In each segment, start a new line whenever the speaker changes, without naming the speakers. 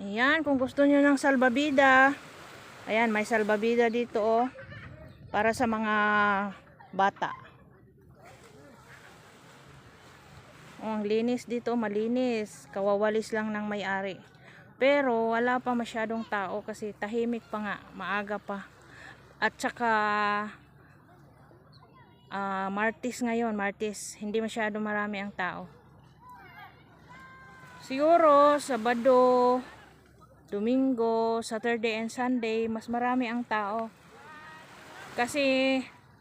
Ayan, kung gusto nyo ng salbabida, ayan, may salbabida dito oh, para sa mga bata. Oh, ang linis dito, malinis. Kawawalis lang ng may-ari. Pero wala pa masyadong tao kasi tahimik pa nga, maaga pa. At saka Martes ngayon, Martes, hindi masyado marami ang tao. Siguro Sabado, Domingo, Saturday and Sunday mas marami ang tao. Kasi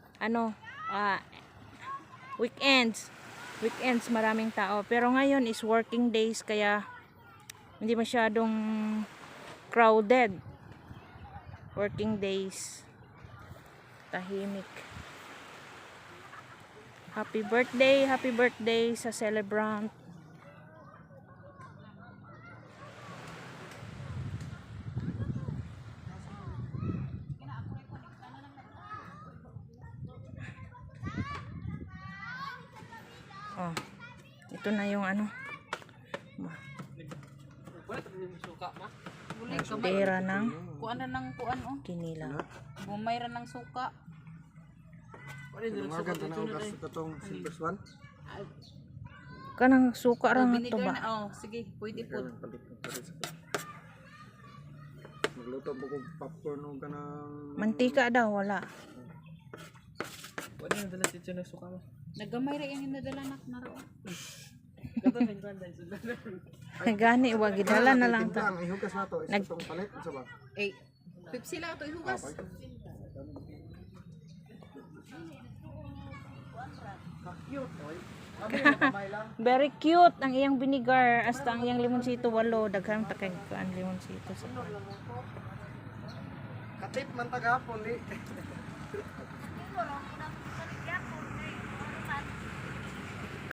weekends maraming tao. Pero ngayon is working days kaya hindi masyadong crowded. Working days. Tahimik. Happy birthday sa celebrant. Oh, ito na yung pera ng
kuan na ng kuan oh.
Kinila.
Bumayra ng suka.
Kanang suka ra nga to ba?
Oh, sige, pwede po.
Magluto po kong popcorn o kanang
Mantika daw wala.
pwede na dala si Chino suka mo.
Nagamay ra yung nadala na ro.
Gani wa gidala na lang ta.
Ang ihugas na to is itong palit sa ba?
Eh, Pepsi lang ito ihugas.
Very cute ang iyang vinegar hasta ang iyang limonsito 8 daghang takay kan limonsito sa.
Katip man tagapon di.